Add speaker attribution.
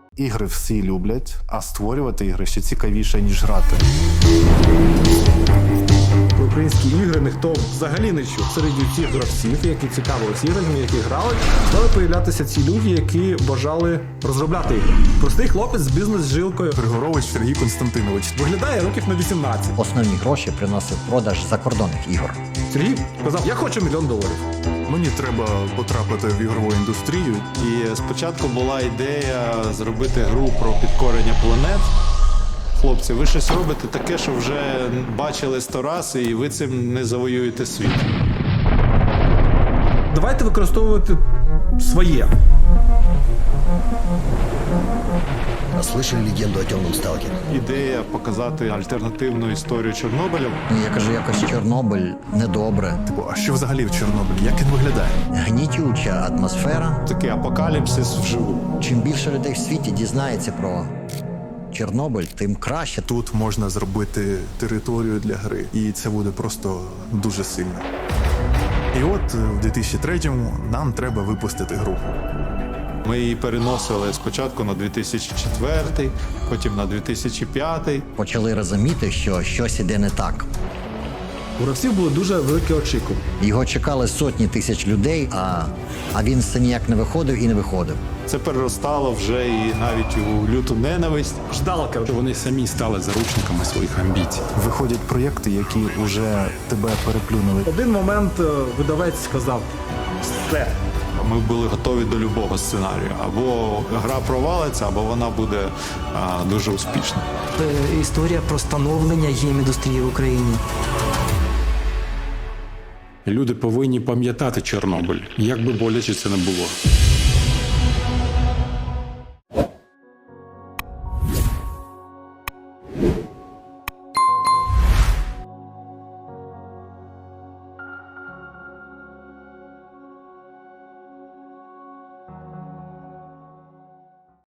Speaker 1: Ігри всі люблять, а створювати ігри ще цікавіше, ніж грати.
Speaker 2: Про українські ігри ніхто взагалі не чув. Серед цих гравців, які цікавились іграми, які грали, стали появлятися ці люди, які бажали розробляти ігри. Простий хлопець з бізнес-жилкою
Speaker 1: Григорович Сергій Константинович.
Speaker 2: виглядає років на 18.
Speaker 3: Основні гроші приносив продаж закордонних ігор.
Speaker 2: Сергій сказав, я хочу $1 мільйон.
Speaker 1: Мені треба потрапити в ігрову індустрію.
Speaker 4: І спочатку була ідея зробити гру про підкорення планет. Хлопці, ви щось робите таке, що вже бачили 100 раз, і ви цим не завоюєте світ.
Speaker 2: Давайте використовувати своє.
Speaker 5: Слышали легенду о темном сталкере?
Speaker 4: Ідея показати альтернативну історію Чорнобиля.
Speaker 3: Я кажу, якось Чорнобиль недобре.
Speaker 1: А що взагалі в Чорнобилі? Як він виглядає?
Speaker 3: Гнітюча атмосфера.
Speaker 4: Такий апокаліпсис вживу.
Speaker 3: Чим більше людей в світі дізнається про Чорнобиль, тим краще.
Speaker 1: Тут можна зробити територію для гри, і це буде просто дуже сильно. І от в 2003-му нам треба випустити гру.
Speaker 4: Ми її переносили спочатку на 2004, потім на 2005.
Speaker 3: Почали розуміти, що щось іде не так.
Speaker 2: У гравців були дуже великі очікування.
Speaker 3: Його чекали сотні тисяч людей, а він все ніяк не виходив і не виходив.
Speaker 4: Це переростало вже і навіть у люту ненависть.
Speaker 2: Ждалка.
Speaker 6: Вони самі стали заручниками своїх амбіцій.
Speaker 1: Виходять проєкти, які вже тебе переплюнули.
Speaker 2: В один момент видавець сказав, все.
Speaker 4: Ми були готові до любого сценарію. Або гра провалиться, або вона буде дуже успішна.
Speaker 7: Історія про становлення гейм-індустрії в Україні.
Speaker 6: Люди повинні пам'ятати Чорнобиль, як би боляче це не було.